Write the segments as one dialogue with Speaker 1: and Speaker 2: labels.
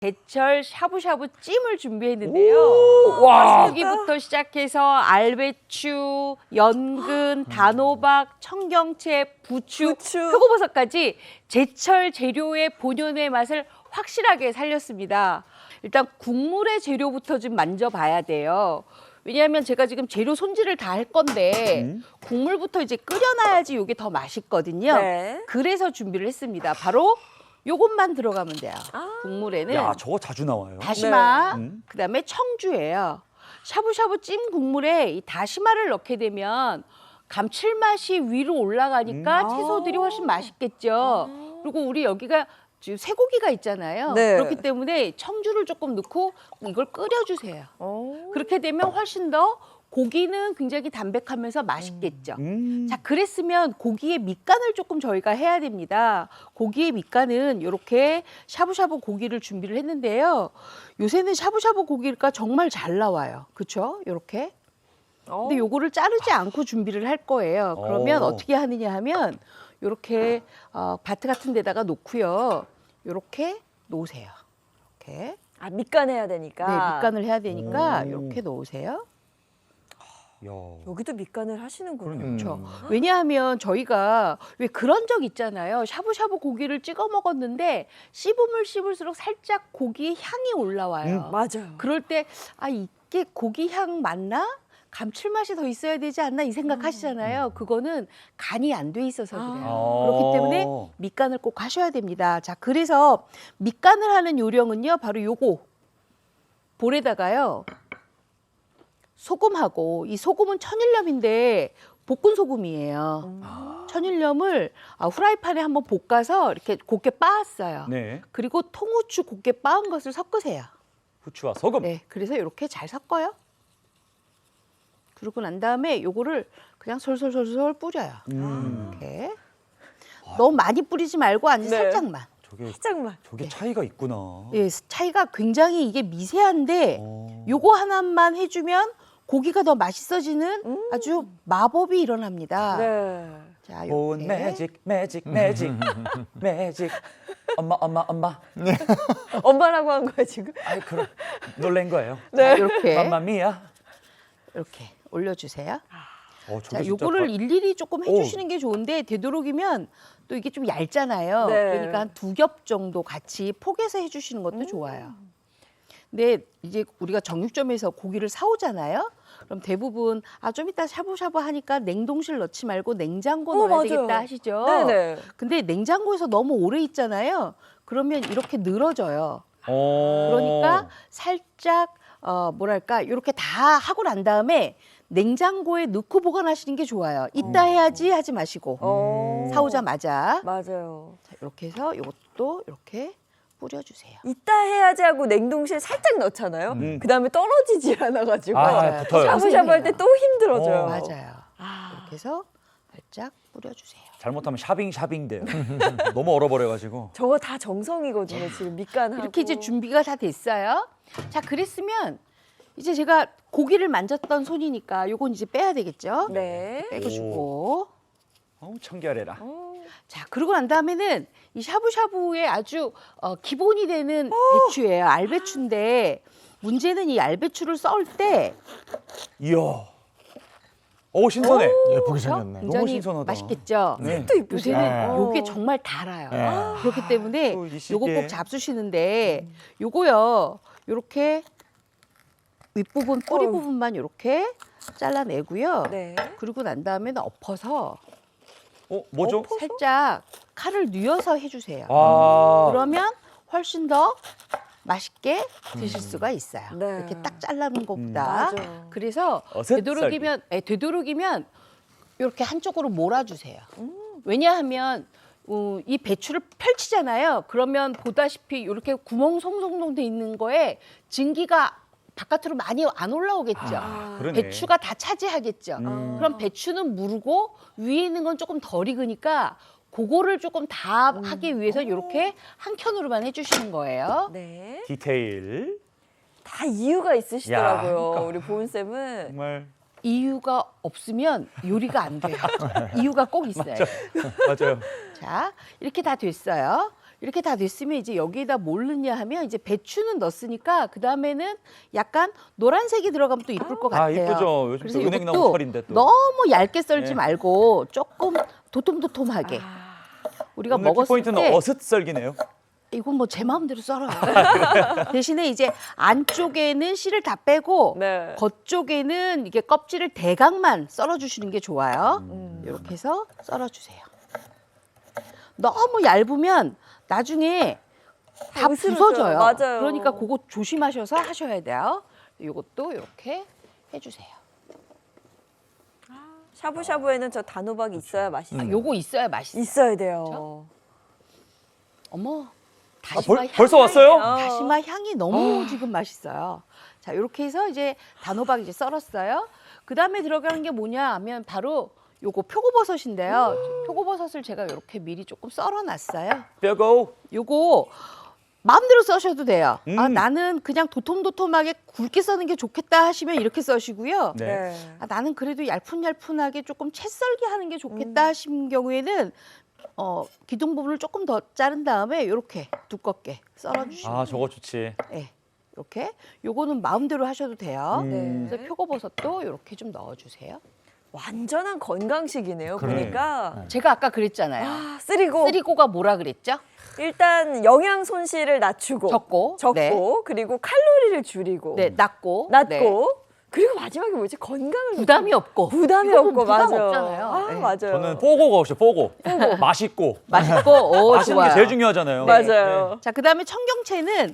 Speaker 1: 제철 샤브샤브 찜을 준비했는데요.
Speaker 2: 와.
Speaker 1: 고기부터 시작해서 알배추, 연근, 단호박, 청경채, 부추, 표고버섯까지 제철 재료의 본연의 맛을 확실하게 살렸습니다. 일단 국물의 재료부터 좀 만져봐야 돼요. 왜냐하면 제가 지금 재료 손질을 다 할 건데 국물부터 이제 끓여놔야지 이게 더 맛있거든요.
Speaker 3: 네.
Speaker 1: 그래서 준비를 했습니다. 바로 요것만 들어가면 돼요. 국물에는
Speaker 2: 야, 저거 자주 나와요.
Speaker 1: 다시마,
Speaker 2: 네.
Speaker 1: 그다음에 청주예요. 샤브샤브 찜 국물에 이 다시마를 넣게 되면 감칠맛이 위로 올라가니까 채소들이 훨씬 맛있겠죠. 그리고 우리 여기가 지금 쇠고기가 있잖아요.
Speaker 3: 네.
Speaker 1: 그렇기 때문에 청주를 조금 넣고 이걸 끓여주세요. 그렇게 되면 훨씬 더 고기는 굉장히 담백하면서 맛있겠죠. 자, 그랬으면 고기의 밑간을 조금 저희가 해야 됩니다. 고기의 밑간은 이렇게 샤브샤브 고기를 준비를 했는데요. 요새는 샤브샤브 고기가 정말 잘 나와요. 그렇죠? 이렇게. 근데 요거를 자르지 않고 준비를 할 거예요. 그러면 어떻게 하느냐 하면 이렇게 바트 같은 데다가 놓고요. 이렇게 놓으세요. 이렇게.
Speaker 3: 아, 밑간해야 되니까.
Speaker 1: 네, 밑간을 해야 되니까 이렇게 놓으세요.
Speaker 2: 야.
Speaker 3: 여기도 밑간을 하시는군요.
Speaker 1: 그렇죠. 왜냐하면 저희가 왜 그런 적 있잖아요. 샤브샤브 고기를 찍어 먹었는데 씹으면 씹을수록 살짝 고기의 향이 올라와요.
Speaker 3: 맞아요.
Speaker 1: 그럴 때 아, 이게 고기 향 맞나? 감칠맛이 더 있어야 되지 않나 이 생각하시잖아요. 그거는 간이 안 돼 있어서 그래요. 그렇기 때문에 밑간을 꼭 하셔야 됩니다. 자, 그래서 밑간을 하는 요령은요. 바로 요거 볼에다가요. 소금하고 이 소금은 천일염인데 볶은 소금이에요. 천일염을 후라이팬에 한번 볶아서 이렇게 곱게 빻았어요.
Speaker 2: 네.
Speaker 1: 그리고 통후추 곱게 빻은 것을 섞으세요.
Speaker 2: 후추와 소금.
Speaker 1: 네, 그래서 이렇게 잘 섞어요. 그러고 난 다음에 요거를 그냥 솔솔솔솔 뿌려요. 이렇게. 너무 많이 뿌리지 말고 아주
Speaker 3: 네.
Speaker 1: 살짝만.
Speaker 3: 살짝만.
Speaker 2: 저게 차이가 있구나.
Speaker 1: 예, 차이가 굉장히 이게 미세한데 요거 하나만 해주면 고기가 더 맛있어지는 아주 마법이 일어납니다.
Speaker 3: 네.
Speaker 1: 자,
Speaker 2: 본
Speaker 1: 이렇게.
Speaker 2: 매직 매직. 엄마.
Speaker 3: 엄마라고 한 거야, 지금?
Speaker 2: 아이 그럼 놀란 거예요.
Speaker 1: 자, 이렇게
Speaker 2: 맘마미야.
Speaker 1: 이렇게 올려주세요.
Speaker 2: 저게
Speaker 1: 자,
Speaker 2: 진짜
Speaker 1: 요거를 일일이 조금 해주시는 게 좋은데 되도록이면 또 이게 좀 얇잖아요.
Speaker 3: 네.
Speaker 1: 그러니까 한 2겹 정도 같이 포개서 해주시는 것도 좋아요. 근데 이제 우리가 정육점에서 고기를 사오잖아요. 그럼 대부분 좀 이따 샤브샤브 하니까 냉동실 넣지 말고 냉장고 넣어야
Speaker 3: 맞아요.
Speaker 1: 되겠다 하시죠.
Speaker 3: 네네.
Speaker 1: 근데 냉장고에서 너무 오래 있잖아요. 그러면 이렇게 늘어져요.
Speaker 2: 그러니까
Speaker 1: 그러니까 살짝 뭐랄까 이렇게 다 하고 난 다음에 냉장고에 넣고 보관하시는 게 좋아요. 이따 해야지 하지 마시고 사오자마자
Speaker 3: 맞아요.
Speaker 1: 자, 이렇게 해서 이것도 이렇게 뿌려주세요.
Speaker 3: 이따 해야지 하고 냉동실 살짝 넣잖아요. 그다음에 떨어지지 않아가지고
Speaker 2: 붙어요.
Speaker 3: 샤브샤브 할 때 또 힘들어져요.
Speaker 1: 맞아요. 이렇게 해서 살짝 뿌려주세요.
Speaker 2: 잘못하면 샤빙 돼요. 너무 얼어버려가지고.
Speaker 3: 저거 다 정성이거든요. 지금 밑간하고.
Speaker 1: 이렇게 이제 준비가 다 됐어요. 자, 그랬으면 이제 제가 고기를 만졌던 손이니까 요건 이제 빼야 되겠죠?
Speaker 3: 네.
Speaker 1: 빼주고.
Speaker 2: 청결해라.
Speaker 1: 자, 그러고 난 다음에는 이 샤브샤브의 아주 기본이 되는 배추예요. 알배추인데 문제는 이 알배추를 썰 때
Speaker 2: 이야. 신선해.
Speaker 4: 예쁘게 생겼네.
Speaker 1: 굉장히
Speaker 2: 신선하다.
Speaker 1: 맛있겠죠?
Speaker 2: 네.
Speaker 3: 또 이쁘죠.
Speaker 1: 요새는
Speaker 4: 네.
Speaker 1: 요게 정말 달아요.
Speaker 4: 네.
Speaker 1: 그렇기 때문에
Speaker 2: 또 이 시기에.
Speaker 1: 요거 꼭 잡수시는데 요거요. 요렇게 윗부분 뿌리 부분만 요렇게 잘라내고요.
Speaker 3: 네.
Speaker 1: 그리고 난 다음에는 엎어서
Speaker 2: 뭐죠?
Speaker 1: 살짝 칼을 뉘어서 해주세요. 그러면 훨씬 더 맛있게 드실 수가 있어요.
Speaker 3: 네.
Speaker 1: 이렇게 딱 잘라놓은 것보다.
Speaker 3: 맞아요.
Speaker 1: 그래서
Speaker 2: 어슷
Speaker 1: 되도록이면 이렇게 한쪽으로 몰아주세요. 왜냐하면 이 배추를 펼치잖아요. 그러면 보다시피 이렇게 구멍 송송송 돼 있는 거에 증기가 바깥으로 많이 안 올라오겠죠.
Speaker 2: 그러네.
Speaker 1: 배추가 다 차지하겠죠. 그럼 배추는 무르고 위에 있는 건 조금 덜 익으니까 그거를 조금 다 하기 위해서 이렇게 한 켠으로만 해주시는 거예요.
Speaker 3: 네.
Speaker 2: 디테일.
Speaker 3: 다 이유가 있으시더라고요.
Speaker 2: 야, 그러니까.
Speaker 3: 우리 보은 쌤은.
Speaker 2: 정말
Speaker 1: 이유가 없으면 요리가 안 돼요. 이유가 꼭 있어요.
Speaker 2: 맞아요.
Speaker 1: 자, 이렇게 다 됐어요. 이렇게 다 됐으면 이제 여기에다 뭘 넣냐 하면 이제 배추는 넣었으니까 그 다음에는 약간 노란색이 들어가면 또 이쁠 것 같아요.
Speaker 2: 이쁘죠. 요즘
Speaker 1: 그래서
Speaker 2: 또 은행나무
Speaker 1: 이것도
Speaker 2: 철인데 또.
Speaker 1: 너무 얇게 썰지
Speaker 2: 네.
Speaker 1: 말고 조금 도톰도톰하게 우리가
Speaker 2: 오늘
Speaker 1: 먹었을
Speaker 2: 키포인트는
Speaker 1: 때
Speaker 2: 어슷 썰기네요.
Speaker 1: 이건 뭐 제 마음대로 썰어요. 대신에 이제 안쪽에는 씨를 다 빼고
Speaker 3: 네.
Speaker 1: 겉쪽에는 이게 껍질을 대각만 썰어주시는 게 좋아요. 이렇게 해서 썰어주세요. 너무 얇으면 나중에 다
Speaker 3: 으스러져요.
Speaker 1: 부서져요.
Speaker 3: 맞아요.
Speaker 1: 그러니까 그거 조심하셔서 하셔야 돼요. 이것도 이렇게 해주세요.
Speaker 3: 샤브샤브에는 저 단호박이 있어야 맛있어요.
Speaker 1: 요거 있어야 맛있어요.
Speaker 3: 있어야 돼요.
Speaker 1: 어머, 다시마 향이
Speaker 2: 벌써 왔어요?
Speaker 1: 다시마 향이 너무 지금 맛있어요. 자, 이렇게 해서 이제 단호박 이제 썰었어요. 그 다음에 들어가는 게 뭐냐 하면 바로 요거 표고버섯인데요. 표고버섯을 제가 이렇게 미리 조금 썰어놨어요.
Speaker 2: 뼈고.
Speaker 1: 요거 마음대로 써셔도 돼요. 아,
Speaker 2: 음.
Speaker 1: 나는 그냥 도톰도톰하게 굵게 써는 게 좋겠다 하시면 이렇게 써시고요.
Speaker 2: 네.
Speaker 1: 아, 나는 그래도 얄푼얄푼하게 조금 채 썰기 하는 게 좋겠다 하신 경우에는 기둥 부분을 조금 더 자른 다음에 이렇게 두껍게 썰어주시면
Speaker 2: 아, 저거 좋지.
Speaker 1: 네, 이렇게 요거는 마음대로 하셔도 돼요.
Speaker 3: 네.
Speaker 1: 그래서 표고버섯도 이렇게 좀 넣어주세요.
Speaker 3: 완전한 건강식이네요.
Speaker 4: 그래.
Speaker 3: 보니까
Speaker 1: 제가 아까 그랬잖아요.
Speaker 3: 아, 쓰리고
Speaker 1: 쓰리고가 뭐라 그랬죠?
Speaker 3: 일단 영양 손실을 낮추고
Speaker 1: 적고, 네.
Speaker 3: 그리고 칼로리를 줄이고
Speaker 1: 네, 낮고,
Speaker 3: 낮고
Speaker 1: 네.
Speaker 3: 그리고 마지막에 뭐지? 건강을
Speaker 1: 부담이 없고,
Speaker 3: 부담이
Speaker 1: 이거는
Speaker 3: 없고
Speaker 1: 부담
Speaker 3: 맞아.
Speaker 1: 없잖아요.
Speaker 3: 아,
Speaker 1: 네.
Speaker 3: 맞아요.
Speaker 2: 저는 뽀고가 없어요. 뽀고. 맛있고.
Speaker 1: 맛있고, 오,
Speaker 2: 맛있는
Speaker 1: 좋아요.
Speaker 2: 게 제일 중요하잖아요.
Speaker 3: 맞아요.
Speaker 1: 자, 그다음에 청경채는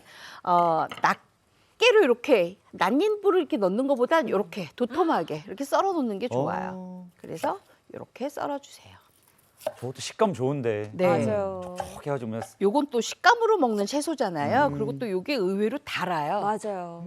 Speaker 1: 낱개로 이렇게 낱잎으로 이렇게 넣는 것보단 이렇게 도톰하게 이렇게 썰어 놓는 게 좋아요. 그래서 이렇게 썰어 주세요.
Speaker 2: 저것도 식감 좋은데.
Speaker 1: 네.
Speaker 3: 맞아요.
Speaker 2: 톡 해가지고 그냥
Speaker 1: 요건 또 식감으로 먹는 채소잖아요. 그리고 또 요게 의외로 달아요.
Speaker 3: 맞아요.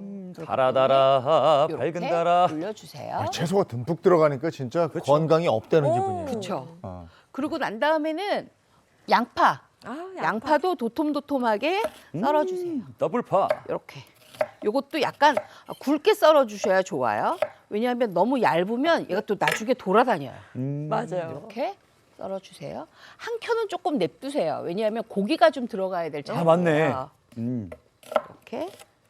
Speaker 2: 달아달아
Speaker 1: 이렇게
Speaker 2: 밝은 달아.
Speaker 1: 올려주세요.
Speaker 4: 채소가 듬뿍 들어가니까 진짜 건강이 업되는 기분이에요.
Speaker 1: 그렇죠.
Speaker 4: 어.
Speaker 1: 그리고 난 다음에는 양파.
Speaker 3: 아,
Speaker 1: 양파도 도톰도톰하게 썰어주세요.
Speaker 2: 더블파.
Speaker 1: 이렇게. 요것도 약간 굵게 썰어주셔야 좋아요. 왜냐하면 너무 얇으면 얘가 또 나중에 돌아다녀요.
Speaker 3: 맞아요.
Speaker 1: 이렇게 썰어주세요. 한 켠은 조금 냅두세요. 왜냐하면 고기가 좀 들어가야 될
Speaker 2: 아, 맞네.
Speaker 1: 재료예요.
Speaker 2: 음.
Speaker 1: 이렇게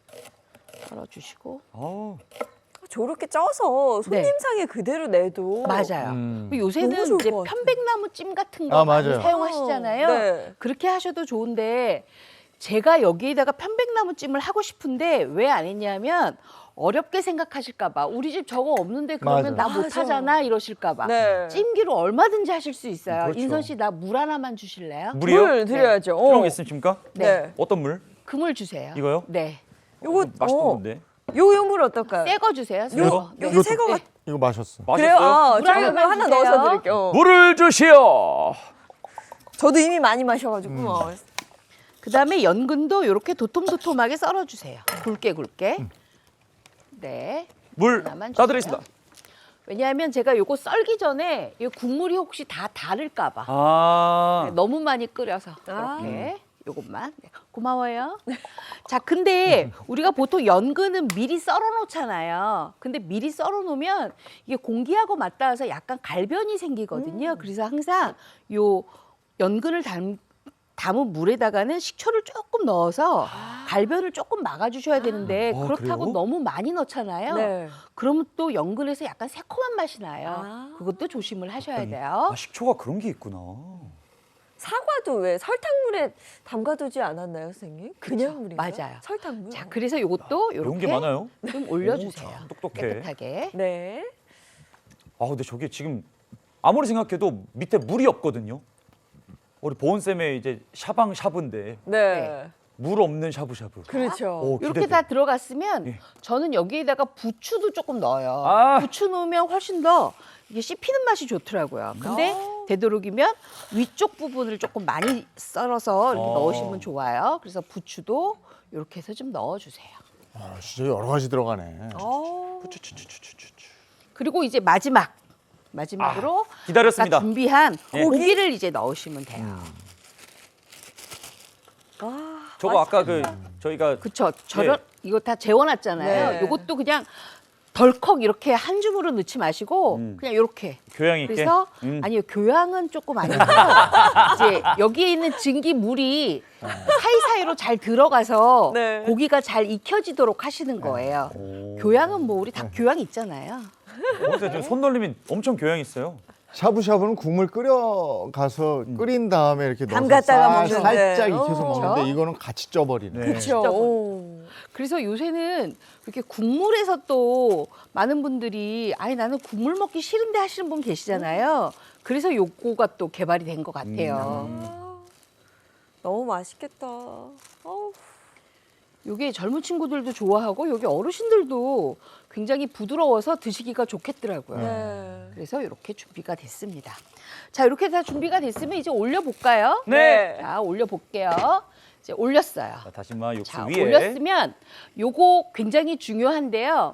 Speaker 1: 썰어주시고.
Speaker 2: 어.
Speaker 3: 저렇게 쪄서 손님상에 그대로 내도
Speaker 1: 맞아요. 그리고 요새는
Speaker 3: 너무 좋을
Speaker 1: 이제
Speaker 3: 것 같아요.
Speaker 1: 편백나무 찜 같은 거
Speaker 4: 아,
Speaker 1: 많이
Speaker 4: 맞아요.
Speaker 1: 사용하시잖아요.
Speaker 3: 네.
Speaker 1: 그렇게 하셔도 좋은데 제가 여기에다가 편백나무 찜을 하고 싶은데 왜 안 했냐면 어렵게 생각하실까 봐. 우리 집 저거 없는데 그러면
Speaker 4: 맞아요.
Speaker 1: 나
Speaker 3: 맞아.
Speaker 1: 못하잖아 이러실까 봐.
Speaker 3: 네.
Speaker 1: 찜기로 얼마든지 하실 수 있어요.
Speaker 2: 그렇죠.
Speaker 1: 인선 씨 나 물 하나만 주실래요?
Speaker 2: 물이요?
Speaker 3: 물 드려야죠.
Speaker 2: 필요한 게 있으십니까?
Speaker 3: 네.
Speaker 2: 어떤 물?
Speaker 1: 그물 주세요.
Speaker 2: 이거요?
Speaker 1: 네.
Speaker 3: 요거
Speaker 2: 맛있던 건데.
Speaker 3: 요 물 어떨까요?
Speaker 1: 새 거 주세요. 새
Speaker 2: 이거?
Speaker 1: 거.
Speaker 3: 여기 새거 같
Speaker 4: 이거 마셨어.
Speaker 3: 그래요?
Speaker 2: 맛있어요?
Speaker 3: 아,
Speaker 1: 물
Speaker 3: 제가
Speaker 1: 하나만
Speaker 3: 그럼 하나
Speaker 1: 주세요.
Speaker 3: 넣어서 드릴게요.
Speaker 2: 물을 주시오.
Speaker 3: 저도 이미 많이 마셔가지고
Speaker 1: 그다음에 연근도 이렇게 도톰도톰하게 썰어주세요. 굵게. 네.
Speaker 2: 물
Speaker 1: 하나만
Speaker 2: 따드리겠습니다.
Speaker 1: 왜냐하면 제가 요거 썰기 전에 이 국물이 혹시 다 다를까 봐.
Speaker 2: 아.
Speaker 1: 너무 많이 끓여서
Speaker 3: 아.
Speaker 1: 이렇게 요것만. 네, 고마워요. 자, 근데 우리가 보통 연근은 미리 썰어 놓잖아요. 근데 미리 썰어 놓으면 이게 공기하고 맞닿아서 약간 갈변이 생기거든요. 그래서 항상 요 연근을 담은 물에다가는 식초를 조금 넣어서 갈변을 조금 막아주셔야 되는데
Speaker 2: 아,
Speaker 1: 그렇다고
Speaker 2: 그래요?
Speaker 1: 너무 많이 넣잖아요.
Speaker 3: 네.
Speaker 1: 그러면 또 연근에서 약간 새콤한 맛이 나요.
Speaker 3: 아.
Speaker 1: 그것도 조심을 하셔야 돼요.
Speaker 2: 아, 식초가 그런 게 있구나.
Speaker 3: 사과도 왜 설탕물에 담가두지 않았나요, 선생님? 그냥 물인가?
Speaker 1: 맞아요.
Speaker 3: 설탕물.
Speaker 1: 자, 그래서 요것도
Speaker 2: 이런 게
Speaker 1: 이렇게
Speaker 2: 많아요?
Speaker 1: 좀 올려주세요.
Speaker 2: 오, 참 똑똑해.
Speaker 1: 깨끗하게.
Speaker 3: 네.
Speaker 2: 아, 근데 저게 지금 아무리 생각해도 밑에 물이 없거든요. 우리 보은쌤의 이제 샤방샤브인데
Speaker 3: 네.
Speaker 2: 물 없는 샤브샤브.
Speaker 3: 그렇죠.
Speaker 2: 오,
Speaker 1: 이렇게
Speaker 2: 기대돼.
Speaker 1: 다 들어갔으면
Speaker 2: 예.
Speaker 1: 저는 여기에다가 부추도 조금 넣어요.
Speaker 2: 아.
Speaker 1: 부추 넣으면 훨씬 더 이게 씹히는 맛이 좋더라고요. 근데 되도록이면 위쪽 부분을 조금 많이 썰어서 이렇게 넣으시면 좋아요. 그래서 부추도 이렇게 해서 좀 넣어주세요.
Speaker 4: 아, 진짜 여러 가지 들어가네.
Speaker 2: 추추추추추추추.
Speaker 1: 그리고 이제 마지막으로
Speaker 2: 기다렸습니다.
Speaker 1: 아까 준비한
Speaker 2: 예.
Speaker 1: 고기를 이제 넣으시면 돼요.
Speaker 2: 저거 아까 그 저희가
Speaker 1: 그쵸. 저런 이거 다 재워놨잖아요.
Speaker 3: 네.
Speaker 1: 이것도 그냥 덜컥 이렇게 한 줌으로 넣지 마시고 그냥 이렇게.
Speaker 2: 교양 있게.
Speaker 1: 그래서 아니요, 교양은 조금 아니고요. 이제 여기에 있는 증기 물이 사이사이로 잘 들어가서
Speaker 3: 네.
Speaker 1: 고기가 잘 익혀지도록 하시는 거예요. 교양은 뭐 우리 다 교양 있잖아요.
Speaker 2: 근데 좀 손놀림이 엄청 교양 있어요.
Speaker 4: 샤브샤브는 국물 끓여가서 끓인 다음에 이렇게 넣어서
Speaker 3: 담갔다가 먹는데.
Speaker 4: 살짝 익혀서
Speaker 3: 그렇죠.
Speaker 4: 먹는데 이거는 같이 쪄버리네.
Speaker 2: 네.
Speaker 3: 그렇죠.
Speaker 1: 그래서 요새는 이렇게 국물에서 또 많은 분들이 아니 나는 국물 먹기 싫은데 하시는 분 계시잖아요. 그래서 요거가 또 개발이 된 것 같아요.
Speaker 3: 너무 맛있겠다. 어우.
Speaker 1: 요게 젊은 친구들도 좋아하고 여기 어르신들도 굉장히 부드러워서 드시기가 좋겠더라고요.
Speaker 3: 네.
Speaker 1: 그래서 이렇게 준비가 됐습니다. 자, 이렇게 다 준비가 됐으면 이제 올려볼까요?
Speaker 2: 네.
Speaker 1: 자, 올려볼게요. 이제 올렸어요.
Speaker 2: 자, 다시마 육수
Speaker 1: 자,
Speaker 2: 위에.
Speaker 1: 올렸으면 요거 굉장히 중요한데요.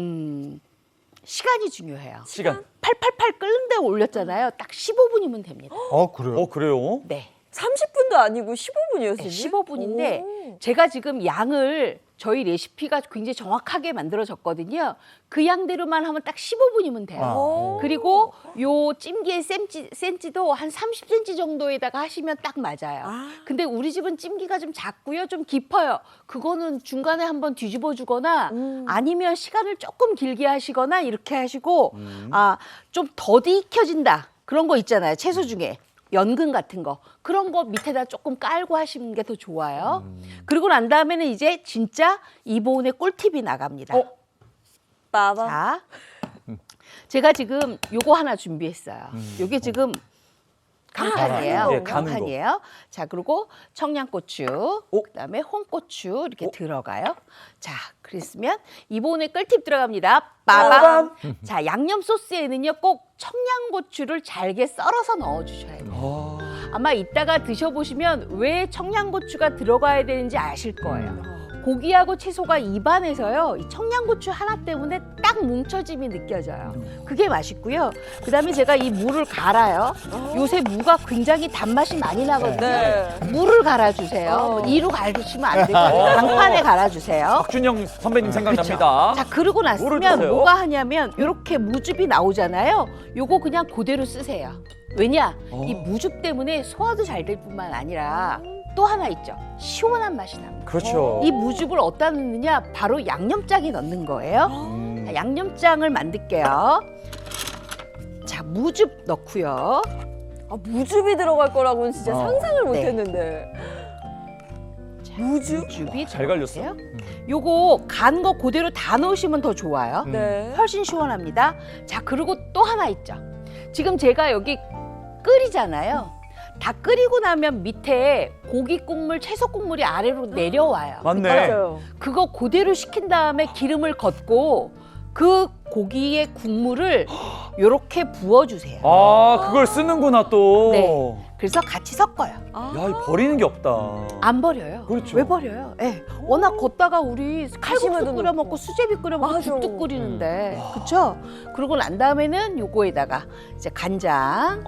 Speaker 1: 시간이 중요해요.
Speaker 2: 시간.
Speaker 1: 팔팔팔 끓는 데 올렸잖아요. 딱 15분이면 됩니다.
Speaker 4: 그래요?
Speaker 2: 그래요?
Speaker 1: 네.
Speaker 3: 30분도 아니고 15분이었어요.
Speaker 1: 네, 15분인데 제가 지금 양을 저희 레시피가 굉장히 정확하게 만들어졌거든요. 그 양대로만 하면 딱 15분이면 돼요. 그리고 요 찜기의 센치도 한 30cm 정도에다가 하시면 딱 맞아요. 근데 우리 집은 찜기가 좀 작고요. 좀 깊어요. 그거는 중간에 한번 뒤집어 주거나 아니면 시간을 조금 길게 하시거나 이렇게 하시고 좀 더디 익혀진다. 그런 거 있잖아요. 채소 중에. 연근 같은 거 그런 거 밑에다 조금 깔고 하시는 게 더 좋아요. 그리고 난 다음에는 이제 진짜 이보은의 꿀팁이 나갑니다.
Speaker 3: 빠밤.
Speaker 1: 자, 제가 지금 요거 하나 준비했어요. 요게 지금 강판이에요.
Speaker 2: 예, 가는
Speaker 1: 강판이에요. 자, 그리고 청양고추, 그다음에 홍고추 이렇게 들어가요. 자, 그랬으면 이보은의 꿀팁 들어갑니다. 빠밤. 자, 양념 소스에는요 꼭 청양고추를 잘게 썰어서 넣어주셔야 돼요. 아마 이따가 드셔보시면 왜 청양고추가 들어가야 되는지 아실 거예요. 고기하고 채소가 입안에서요 이 청양고추 하나 때문에 딱 뭉쳐짐이 느껴져요. 그게 맛있고요. 그다음에 제가 이 무를 갈아요. 요새 무가 굉장히 단맛이 많이 나거든요.
Speaker 3: 네.
Speaker 1: 무를 갈아주세요. 이로 갈으시면 안 되고 강판에 갈아주세요.
Speaker 2: 박준영 선배님 생각납니다.
Speaker 1: 자, 그러고
Speaker 2: 물을
Speaker 1: 났으면
Speaker 2: 드세요.
Speaker 1: 뭐가 하냐면 이렇게 무즙이 나오잖아요. 요거 그냥 그대로 쓰세요. 왜냐? 이 무즙 때문에 소화도 잘 될 뿐만 아니라 또 하나 있죠. 시원한 맛이 납니다.
Speaker 2: 그렇죠.
Speaker 1: 이 무즙을 어디다 넣느냐? 바로 양념장에 넣는 거예요. 자, 양념장을 만들게요. 자, 무즙 넣고요.
Speaker 3: 무즙이 들어갈 거라고는 진짜 상상을 못
Speaker 1: 네.
Speaker 3: 했는데.
Speaker 1: 무즙이
Speaker 2: 잘 갈렸어.
Speaker 1: 들어가세요. 요거 간 거 그대로 다 넣으시면 더 좋아요.
Speaker 3: 네.
Speaker 1: 훨씬 시원합니다. 자, 그리고 또 하나 있죠. 지금 제가 여기 끓이잖아요. 다 끓이고 나면 밑에 고기 국물, 채소 국물이 아래로 내려와요.
Speaker 2: 맞네.
Speaker 3: 맞아요.
Speaker 1: 그거 그대로 식힌 다음에 기름을 걷고 그 고기의 국물을 요렇게 부어주세요.
Speaker 2: 그걸 쓰는구나 또.
Speaker 1: 네. 그래서 같이 섞어요.
Speaker 2: 야, 이 버리는 게 없다.
Speaker 1: 안 버려요.
Speaker 2: 그렇죠.
Speaker 1: 왜 버려요? 예. 워낙 걷다가 우리 칼국수
Speaker 3: 다시마도
Speaker 1: 끓여
Speaker 3: 넣고.
Speaker 1: 먹고 수제비 끓여 먹고
Speaker 3: 맞아.
Speaker 1: 죽도 끓이는데. 그렇죠? 그러고 난 다음에는 요거에다가 이제 간장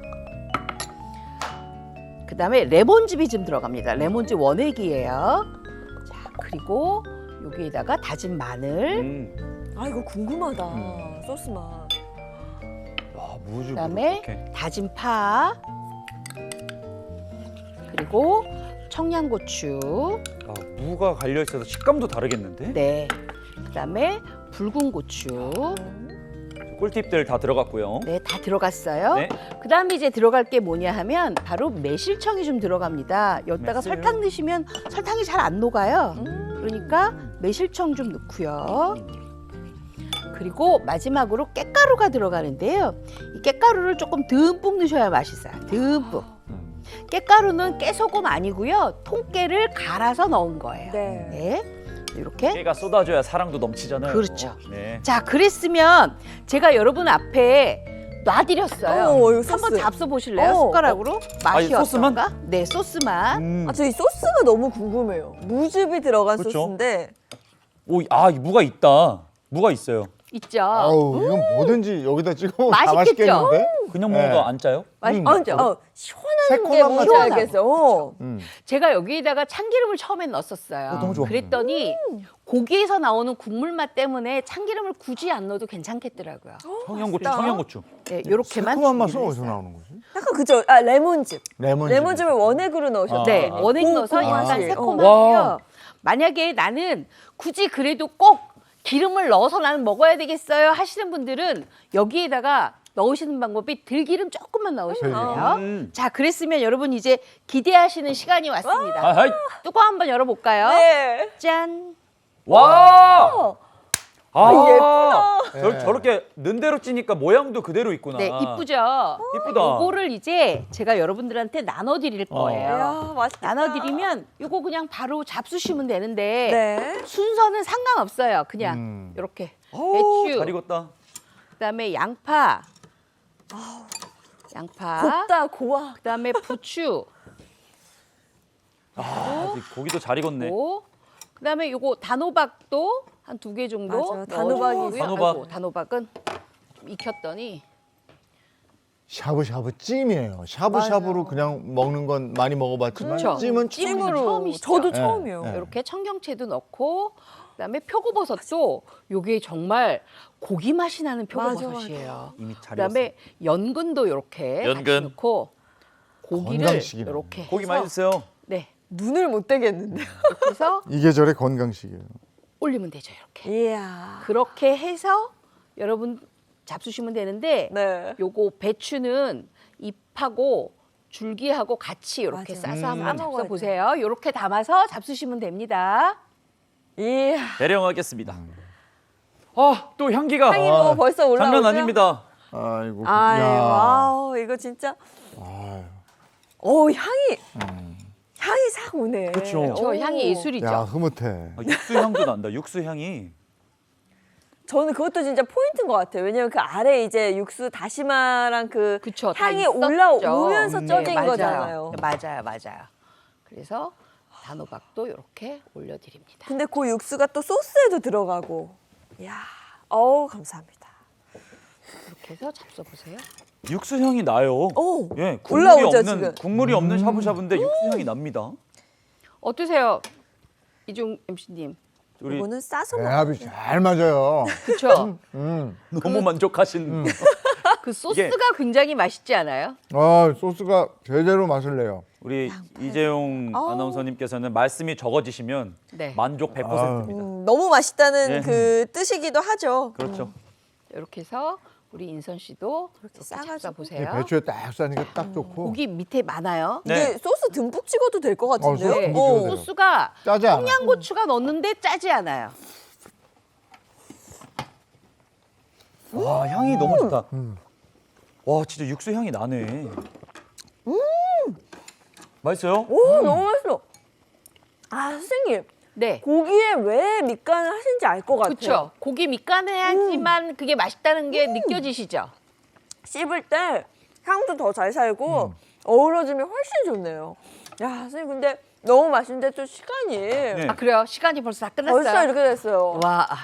Speaker 1: 그다음에 레몬즙이 좀 들어갑니다. 레몬즙 원액이에요. 자, 그리고 여기에다가 다진 마늘,
Speaker 3: 이거 궁금하다. 소스 맛.
Speaker 2: 무즙.
Speaker 1: 그다음에 다진 파, 그리고 청양고추,
Speaker 2: 무가 갈려 있어서 식감도 다르겠는데?
Speaker 1: 네, 그다음에 붉은 고추,
Speaker 2: 꿀팁들 다 들어갔고요.
Speaker 1: 네, 다 들어갔어요.
Speaker 2: 네.
Speaker 1: 그다음에 이제 들어갈 게 뭐냐 하면 바로 매실청이 좀 들어갑니다. 여기다가
Speaker 2: 매실.
Speaker 1: 설탕 넣으시면 설탕이 잘 안 녹아요. 그러니까 매실청 좀 넣고요. 그리고 마지막으로 깻가루가 들어가는데요. 이 깻가루를 조금 듬뿍 넣으셔야 맛있어요. 듬뿍. 깻가루는 깨소금 아니고요. 통깨를 갈아서 넣은 거예요.
Speaker 3: 네.
Speaker 1: 네. 이렇게.
Speaker 2: 깨가 쏟아져야 사랑도 넘치잖아요.
Speaker 1: 그렇죠.
Speaker 2: 네.
Speaker 1: 자, 그랬으면 제가 여러분 앞에 놔드렸어요.
Speaker 3: 이거 소스.
Speaker 1: 한번 잡숴 보실래요? 숟가락으로? 맛이
Speaker 2: 이 소스만?
Speaker 1: 어떤가? 네, 소스만.
Speaker 3: 저 이 소스가 너무 궁금해요. 무즙이 들어간
Speaker 2: 그렇죠.
Speaker 3: 소스인데.
Speaker 2: 이 무가 있다. 무가 있어요.
Speaker 1: 있죠.
Speaker 4: 아우 이건 뭐든지 여기다 찍어 먹으면 다
Speaker 1: 맛있겠죠?
Speaker 4: 맛있겠는데?
Speaker 2: 그냥 먹어도
Speaker 4: 네.
Speaker 2: 안 짜요?
Speaker 3: 시원한 게
Speaker 4: 새콤한
Speaker 3: 뭔지
Speaker 4: 맛이
Speaker 3: 알겠어.
Speaker 1: 제가 여기에다가 참기름을 처음엔 넣었었어요.
Speaker 2: 너무 좋아.
Speaker 1: 그랬더니 고기에서 나오는 국물 맛 때문에 참기름을 굳이 안 넣어도 괜찮겠더라고요.
Speaker 2: 청양고추,
Speaker 3: 맛있다.
Speaker 2: 청양고추.
Speaker 1: 네, 이렇게만
Speaker 4: 새콤한 맛은
Speaker 1: 준비를
Speaker 4: 어디서
Speaker 1: 했어요.
Speaker 4: 나오는 거지?
Speaker 3: 약간 그죠? 레몬즙. 레몬즙을 원액으로 넣으셨죠?
Speaker 1: 네, 원액 넣어서 약간
Speaker 3: 맛이.
Speaker 1: 새콤하고요. 만약에 나는 굳이 그래도 꼭 기름을 넣어서 나는 먹어야 되겠어요 하시는 분들은 여기에다가 넣으시는 방법이 들기름 조금만 넣으시면 돼요. 자, 그랬으면 여러분 이제 기대하시는 시간이 왔습니다.
Speaker 2: 아하이.
Speaker 1: 뚜껑 한번 열어볼까요?
Speaker 3: 네.
Speaker 1: 짠.
Speaker 2: 와!
Speaker 3: 예쁘다.
Speaker 2: 저렇게 는 대로 찌니까 모양도 그대로 있구나.
Speaker 1: 네, 이쁘죠?
Speaker 2: 이쁘다.
Speaker 1: 요거를 이제 제가 여러분들한테 나눠드릴 거예요.
Speaker 3: 이야, 맛있겠다.
Speaker 1: 나눠드리면 요거 그냥 바로 잡수시면 되는데
Speaker 3: 네.
Speaker 1: 순서는 상관없어요. 그냥 이렇게
Speaker 2: 오,
Speaker 1: 배추,
Speaker 2: 잘 익었다.
Speaker 1: 그다음에 양파, 양파,
Speaker 3: 곱다, 고와.
Speaker 1: 그다음에 부추,
Speaker 2: 아직 고기도 잘 익었네.
Speaker 1: 고, 그다음에 요거 단호박도 한 2개 정도.
Speaker 3: 맞아, 단호박이고요.
Speaker 2: 단호박.
Speaker 1: 아이고, 단호박은 좀 익혔더니
Speaker 4: 샤브샤브 찜이에요. 샤브샤브로 그냥 먹는 건 많이 먹어봤지만
Speaker 1: 그쵸.
Speaker 4: 찜은
Speaker 1: 찜으로 처음이시죠?
Speaker 3: 저도
Speaker 4: 네.
Speaker 3: 처음이에요.
Speaker 4: 네.
Speaker 1: 이렇게 청경채도 넣고 그다음에 표고버섯도 요게 정말 고기 맛이 나는 표고버섯이에요.
Speaker 2: 이미 잘
Speaker 1: 그다음에 연근도 이렇게 같이
Speaker 2: 연근.
Speaker 1: 넣고 고기를
Speaker 4: 건강식이네.
Speaker 1: 이렇게
Speaker 2: 고기
Speaker 1: 해서
Speaker 2: 많이 드세요.
Speaker 1: 네,
Speaker 3: 눈을 못 떼겠는데.
Speaker 1: 이렇게 해서
Speaker 4: 이 계절의 건강식이에요.
Speaker 1: 올리면 되죠. 이렇게
Speaker 3: 이야.
Speaker 1: 그렇게 해서 여러분 잡수시면 되는데
Speaker 3: 네.
Speaker 1: 요거 배추는 잎하고 줄기하고 같이 이렇게
Speaker 3: 맞아.
Speaker 1: 싸서 한번
Speaker 3: 싸먹어야
Speaker 1: 잡숴 보세요. 이렇게 담아서 잡수시면 됩니다.
Speaker 3: 이야.
Speaker 2: 대령하겠습니다. 아, 또 향기가
Speaker 3: 향이 뭐 벌써 올라오죠?
Speaker 2: 장난 아닙니다.
Speaker 4: 아이고.
Speaker 3: 아이,
Speaker 4: 야.
Speaker 3: 와우, 이거 진짜.
Speaker 4: 아유.
Speaker 3: 향이. 향이 싹 오네.
Speaker 2: 그쵸.
Speaker 1: 저 향이 예술이죠.
Speaker 4: 야 흐뭇해.
Speaker 2: 아, 육수 향도 난다. 육수 향이.
Speaker 3: 저는 그것도 진짜 포인트인 것 같아요. 왜냐면 그 아래 이제 육수 다시마랑 그
Speaker 1: 그쵸, 다
Speaker 3: 향이
Speaker 1: 있었죠.
Speaker 3: 올라오면서 쪄진
Speaker 1: 맞아요.
Speaker 3: 거잖아요.
Speaker 1: 맞아요. 그래서 단호박도 이렇게 올려드립니다.
Speaker 3: 근데 그 육수가 또 소스에도 들어가고. 이야, 감사합니다.
Speaker 1: 이렇게 해서 잡숴보세요.
Speaker 2: 육수 향이 나요.
Speaker 3: 오,
Speaker 2: 예, 국물이
Speaker 3: 올라오죠,
Speaker 2: 없는
Speaker 3: 지금.
Speaker 2: 국물이 없는 샤브샤브인데 육수 향이 납니다.
Speaker 1: 어떠세요, 이종 MC님?
Speaker 2: 우리
Speaker 3: 이거는 싸서 먹어.
Speaker 4: 배합이 잘 맞아요.
Speaker 1: 그렇죠.
Speaker 2: 너무 만족하신.
Speaker 1: 그 소스가 굉장히 맛있지 않아요?
Speaker 4: 소스가 제대로 맛을 내요.
Speaker 2: 우리 이재용 아나운서님께서는 말씀이 적어지시면
Speaker 1: 네.
Speaker 2: 만족 100%입니다.
Speaker 3: 너무 맛있다는
Speaker 2: 예.
Speaker 3: 그 뜻이기도 하죠.
Speaker 2: 그렇죠.
Speaker 1: 이렇게 해서 우리 인선 씨도 이렇게
Speaker 3: 싸가지고.
Speaker 1: 싸 보세요.
Speaker 4: 배추에 딱 싸니까 딱 좋고.
Speaker 1: 고기 밑에 많아요.
Speaker 2: 네.
Speaker 3: 이게 소스 듬뿍 찍어도 될 것 같은데요?
Speaker 4: 소스 듬뿍 찍어도 돼요.
Speaker 1: 소스가
Speaker 4: 짜지 않아.
Speaker 1: 청양고추가 넣었는데 짜지 않아요.
Speaker 2: 와, 향이 너무 좋다. 와, 진짜 육수 향이 나네. 맛있어요?
Speaker 3: 오, 너무 맛있어. 선생님.
Speaker 1: 네.
Speaker 3: 고기에 왜 밑간을 하신지 알 것 같아요.
Speaker 1: 그렇죠. 고기 밑간을 해야지만 그게 맛있다는 게 느껴지시죠?
Speaker 3: 씹을 때 향도 더 잘 살고 어우러지면 훨씬 좋네요. 야, 선생님 근데 너무 맛있는데 또 시간이
Speaker 2: 네.
Speaker 1: 아 그래요? 시간이 벌써 다 끝났어요.
Speaker 3: 벌써 이렇게 됐어요.
Speaker 1: 와.